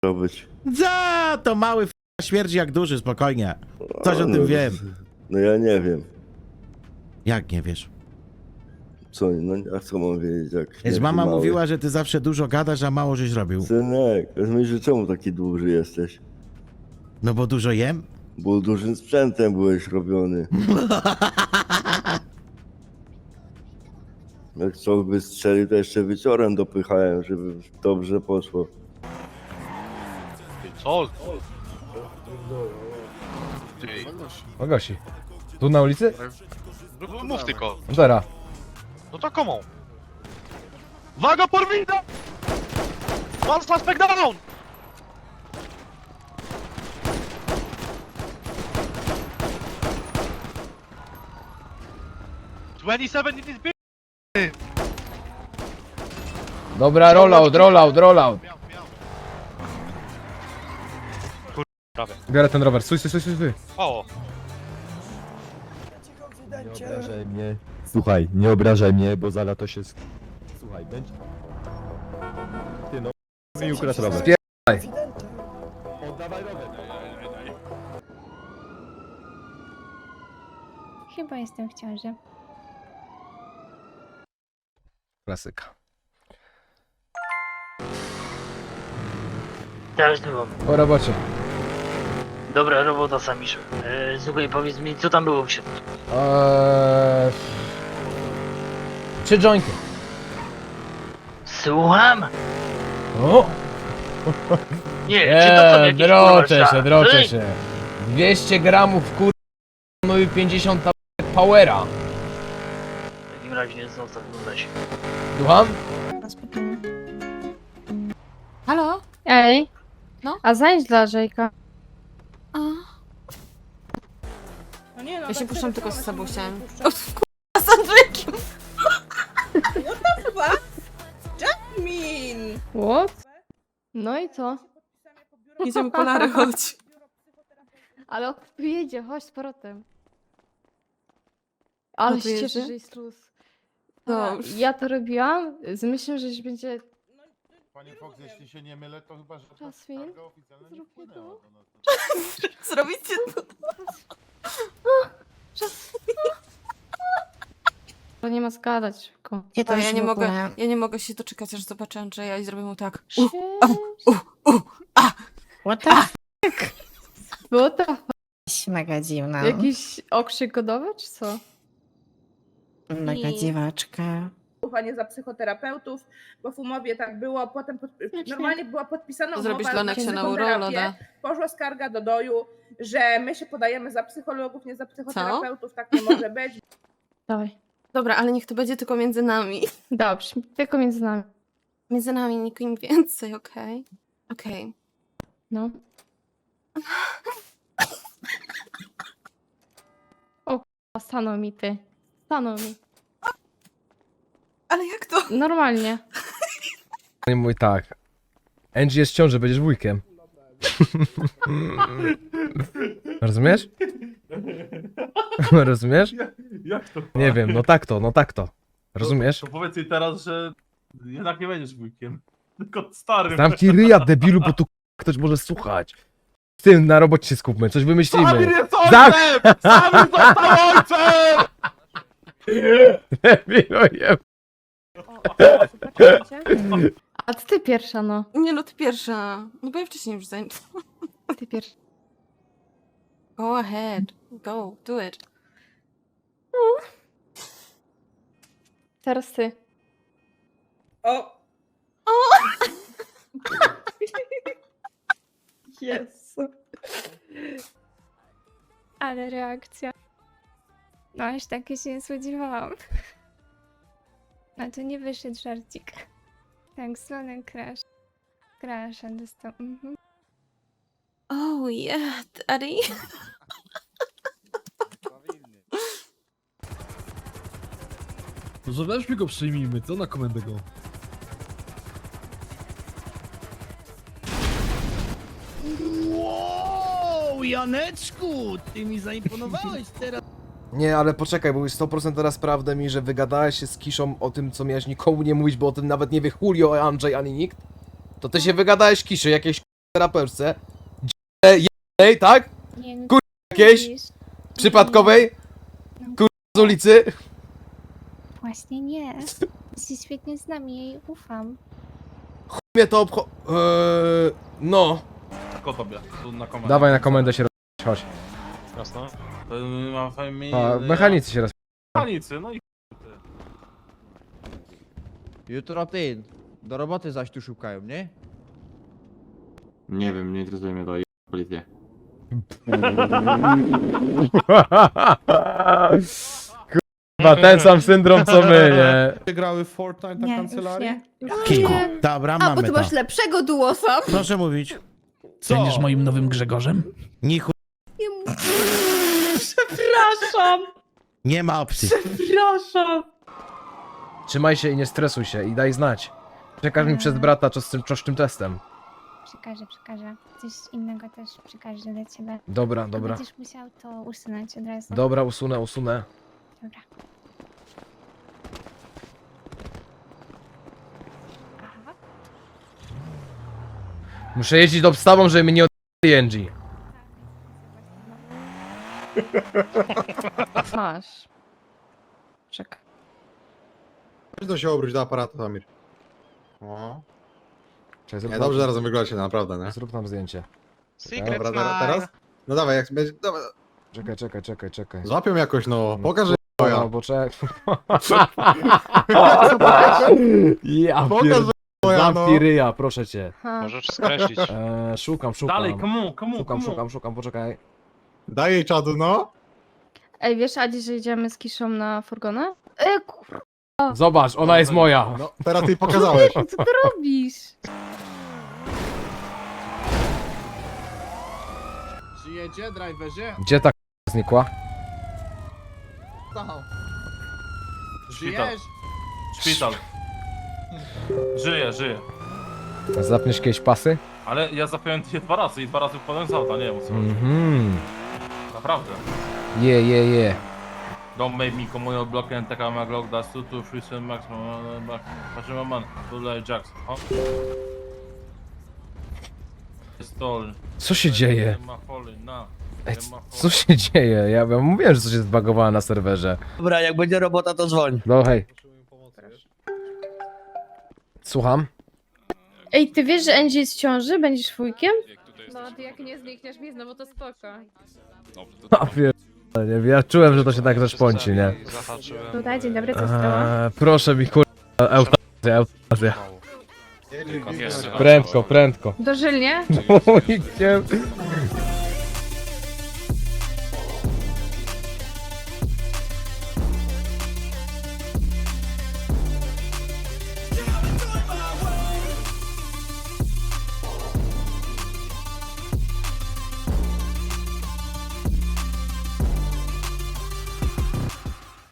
robić. Za to mały śmierdzi jak duży, spokojnie. Coś o tym wiem. No ja nie wiem. Jak nie wiesz? Co, no a co mam wiedzieć, jak Więc śmierdzi mama mały? mówiła, że ty zawsze dużo gadasz, a mało żeś robił. Synek, myślisz, że czemu taki duży jesteś? No bo dużo jem? Bo dużym sprzętem byłeś robiony. Jak co by strzelił, to jeszcze wieczorem dopychałem, żeby dobrze poszło. Co? Ty, Ogosi. Tu na ulicy? no, mów tylko. Teraz. No to komu? Uwaga, porwida! One suspect down! "27 in this bitch!" Dobra, rollout. Prawie. Biorę ten rower. Stój. O! Nie obrażaj mnie. Słuchaj, nie obrażaj mnie, bo za lato się... Słuchaj, będzie... Ty no... Mi ukradł rower. Oddawaj rower. Chyba jestem w ciąży. Klasyka. Teraz było. Po robocie. Dobra robota, Samiszu. Słuchaj, powiedz mi, co tam było w środku? 3 jointy. Słucham? O! Nie, czy to są jakieś Droczę kurwa, się. 200 gramów no i 50 powera. W takim razie nie zostaw się. Słucham? Halo? Ej, No? a znajdź dla Żejka. A, Ja się puszczam tylko z sobą chciałem. z Andrzejkiem! Min! What? No i co? Idziemy po Larę, chodź. Ale on tu jedzie, chodź z powrotem. Ale tu się jedzie? cieszę, że jest luz. Dobrze. Ja to robiłam z myślą, że będzie... Panie Fox, jeśli się nie mylę, to chyba, że ta Jasmin, skarga oficjalna nie zrób mi wpłynęła to. do nas. Zrobicie to. To nie ma zgadać szybko. To ja nie mogę się doczekać, aż zobaczę Andrzeja i zrobię mu tak. Cześć. What the Było to f***? Mega dziwna. jakiś okrzyk godowy, czy co? Mega dziwaczka. Ufanie za psychoterapeutów, bo w umowie tak było, potem normalnie była podpisana Zrobisz umowa dla na Neksia na psychoterapię, uroloda. poszła skarga do doju, że my się podajemy za psychologów, nie za psychoterapeutów, tak nie może być. Dawaj. Dobra, ale niech to będzie tylko między nami. Dobrze, tylko między nami. Między nami, nikim więcej, okej? Okej. No. O k***a, stanął mi ty. Stanął mi. Ale jak to? Normalnie. Nie mój tak. Angie jest w ciąży, będziesz wujkiem. Rozumiesz? Rozumiesz? Jak to? Nie wiem, no tak to. Rozumiesz? To powiedz jej teraz, że jednak nie będziesz wujkiem. Tylko starym. Zamknij ryja, debilu, bo tu ktoś może słuchać. W tym na robocie się skupmy, coś wymyślimy. Samir jest ojcem! Samir został ojcem! Debilu, je... A ty pierwsza, no. Nie no, ty pierwsza. No bo ja wcześniej już zajęłam. Ty pierwsza. Go ahead. Go, do it. Teraz ty. O! Jezu. Ale reakcja. No aż takie się nie spodziewałam. No to nie wyszedł żarcik. Tak zwany crash. Crasha dostał. Oh yeah, daddy. To weźmy go przyjmijmy, co na komendę go? Wow, Janeczku, ty mi zaimponowałeś teraz. Nie, ale poczekaj, bo już 100% teraz prawdę mi, że wygadałeś się z Kiszą o tym, co miałeś nikomu nie mówić, bo o tym nawet nie wie Julio, Andrzej, ani nikt. To ty się wygadałeś Kiszy, jakieś terapeutce, jednej, tak? Nie, no Kur- co jakieś? mówisz? Przypadkowej? Z ulicy? Właśnie nie. Się świetnie znam i jej ufam. Mnie to no. Tylko tobie, tu na komendę. Dawaj na komendę się chodź. Jasne. To mam fajnie... A, mechanicy się Mechanicy, no i... Jutro ty, do roboty zaś tu szukają, nie? Nie wiem, nie interesuje mnie to policję. Kurwa, ten sam syndrom co my, nie? Grały Fortnite Nie, już nie. Kiku. Dobra, mamy to. lepszego duosa. Proszę mówić. Będziesz moim nowym Grzegorzem? Nichu... Przepraszam, Nie ma opcji. przepraszam. Trzymaj się i nie stresuj się i daj znać. Przekaż mi przez brata co z tym testem. Przekażę. Coś innego też przekażę dla ciebie. Dobra, Tylko dobra. będziesz musiał to usunąć od razu. Dobra, usunę. Dobra. Aha. Muszę jeździć do obstawą, żeby mnie nie od Angie. Masz. Czekaj. To się obróć do aparatu, Samir. O. Czekaj, Nie, dobrze zaraz wyglądacie, naprawdę, nie? Zrób nam zdjęcie. Dobra, teraz? No dawaj, jak będzie... Dawaj. Czekaj. Złapią jakoś, no. Pokaż, że No, bo czekaj. Ja Pokaż, pierd... że moja, no. Zamknij ryja, proszę cię. Możesz skreślić. Szukam. Dalej, komu? Szukam, poczekaj. Daj jej czadu, no. Ej, wiesz, Adi, że idziemy z Kiszą na furgonę? Kurwa, Zobacz, ona jest moja. No, teraz ty pokazałeś. co ty robisz? Żyjecie, driverze? Gdzie ta znikła? Szpital. Żyje. Zapniesz kiedyś pasy? Ale ja zapiąłem je 2 razy i 2 razy wpadłem z auta, nie wiem o co chodzi. Mhm. Naprawdę. Je. Don't make me come on your block and take out my Glock, that's 2, 2, 3, 7 max, patrzymy man, tutaj Jackson, o. Stolen. Co się dzieje? Nie ma folii, na. Ej, Nie ma folii. co się dzieje? Ja mówiłem, że coś jest zbagowane na serwerze. Dobra, jak będzie robota, to dzwoń. No hej. Słucham? Ej, ty wiesz, że Angie jest w ciąży? Będziesz wujkiem? No, ty jak nie znikniesz mi znowu, to spoko. A nie, ja czułem, że to się tak zaszpąci, nie? Zahaczyłem. Tutaj, dzień dobry, co stało? Proszę mi eutanazja. Jeszcze raz. Prędko. Dożylnie? Wujkiem.